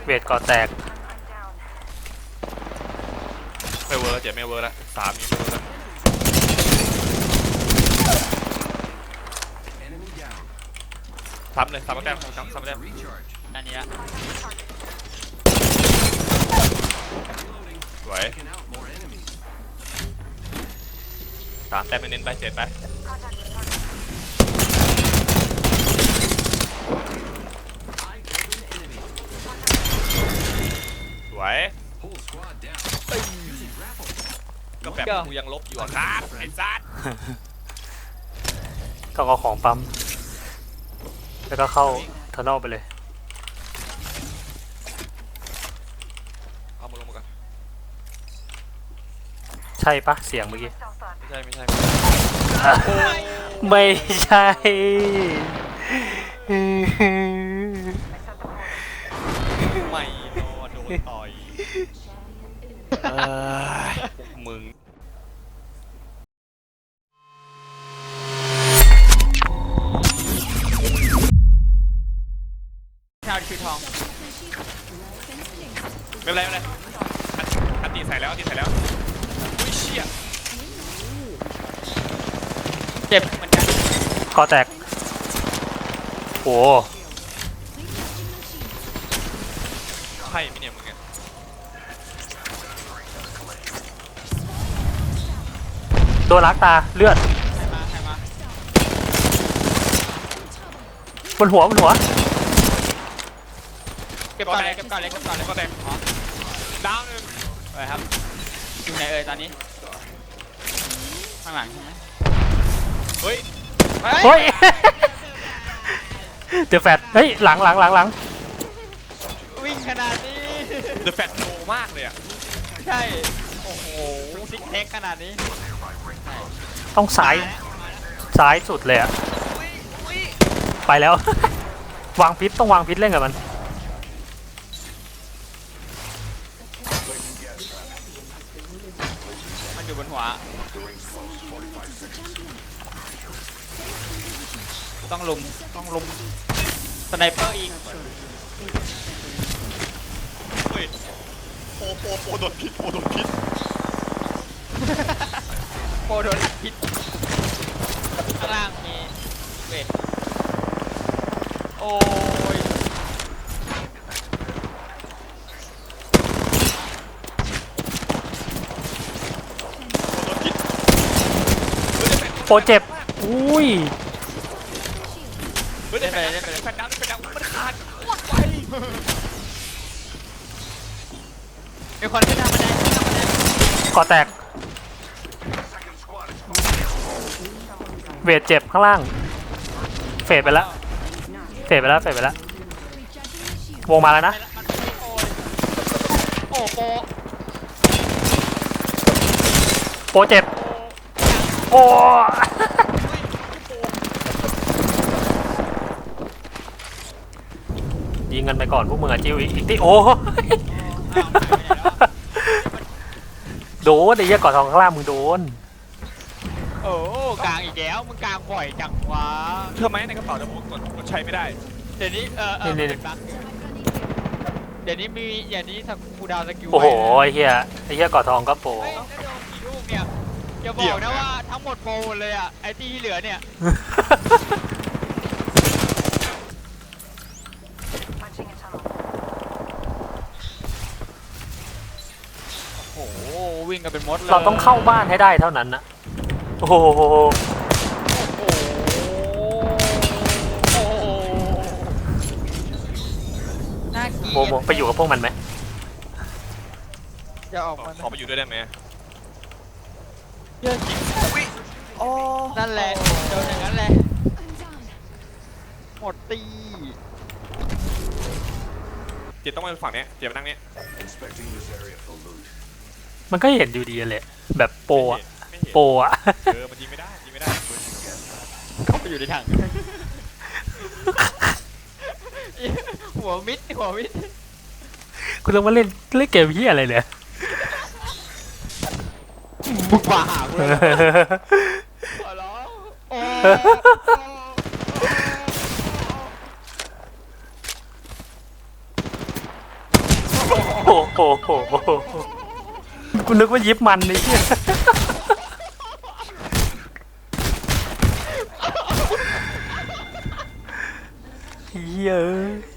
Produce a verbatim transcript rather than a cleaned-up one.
เวทก่อแตกไม่เวิร์กเจ็บไม่เวิร์กแล้วสามนี้ไม่เวิร์กแล้วซ้ำเลยซ้ำแต้มซ้ำซ้ำแต้มอันนี้ละสวยสามแต้มเน้นไปเจ็ดไปสวยก็แบบกูยังลบอยู่อะครับไอ้ซัดต้องเอาของปั๊มแล้วก็เข้าเทอร์นอลไปเลยเอามาลงมาก่อนใช่ปะเสียงเมื่อกี้ไม่ใช่ไม่ใช่ไม่ใช่ไม่รอโดนต่อยมึงชาวคือทองไม่เป็นไรไม่เป็นไรอันตีใส่แล้วอันตีใส่แล้วอุ้ยเชี่ยเจ็บเหมือนกันก่อแตกโอ้ใช่ไหมเนี่ยมึงเนี่ยโดนลักตาเลือดใครมาใครมาบนหัวบนหัวเก็บก่อนเลยเก็บก่อนเลยเก็บก่อนเลยก็แตกดาวหนึ่งไปครับอยู่ไหนเอ่ยตอนนี้ข้างหลังใช่ไหมเฮ้ยเฮ้ยเดอะแฟตเฮ้ยหลังหลังหลังหลังวิ่งขนาดนี้เดอะแฟตโนมากเลยอ่ะใช่โอ้โหซิกเทคขนาดนี้ต้องซ้ายซ้ายสุดเลยอะไปแล้ววางพิษต้องวางพิษเล่นกับมันมันอยู่บนหัวต้องลุมต้องลุมสไนเปอร์อีกเฮ้ยโปโปโปโดนพิษโปโดนพิษโปโดนพิษข้างล่างมีเวทโอ้ยโปเจ็บอุ้ยเฮ้ยได้ไปได้ไปแฟนดาวได้แฟนดาวมันขาดโคตรไวมีคนขึ้นทางบันไดขึ้นทางบันไดก่อแตกเวทเจ็บข้างล่างเฟดไปแล้วเฟดไปแล้วเฟดไปแล้ววงมาแล้วนะโอ้โปโปเจ็บโอ้ยิงกันไปก่อนพวกมึงอะจิ้วอีกอีกที่โอ้โดนไอ้เหี้ยก่อทองข้างล่างมึงโดนโอ้กลางอีกแล้วมึงกลางบ่อยจังวะเธอไหมในกระเป๋าแต่ผมกดกดใช้ไม่ได้เดี๋ยวนี้เออเออเป็นบั๊กเดี๋ยวนี้มีอย่างนี้สักคูดาวสกิลโอ้โหไอ้เหี้ยไอ้เหี้ยก่อทองก็โปรกี่ลูกเนี่ยอย่าบอกนะว่าทั้งหมดโปรหมดเลยอ่ะไอ้ที่เหลือเนี่ยโอ้โหวิ่งกันเป็นมดเลยเราต้องเข้าบ้านให้ได้เท่านั้นนะโอ้โหโมโมไปอยู่กับพวกมันไหมจะออกมาขอไปอยู่ด้วยได้ไหมเยอะจริงนั่นแหละโดนอย่างนั้นแหละหมดตีเจต้องมาฝั่งนี้เจมานั่งนี้มันก็เห็นอยู่ดีเลยแบบโปอะโปอะเออมันยิงไม่ได้ยิงไม่ได้เข้าไปอยู่ในถังหัวมิดหัวมิดคุณต้องมาเล่นเล่นเกมที่อะไรเนี่ยบุกป่าหากูเลยขอร้องโอ้โอ้โหกูนึกว่ายิบมันนี่เหี้ยเหี้ย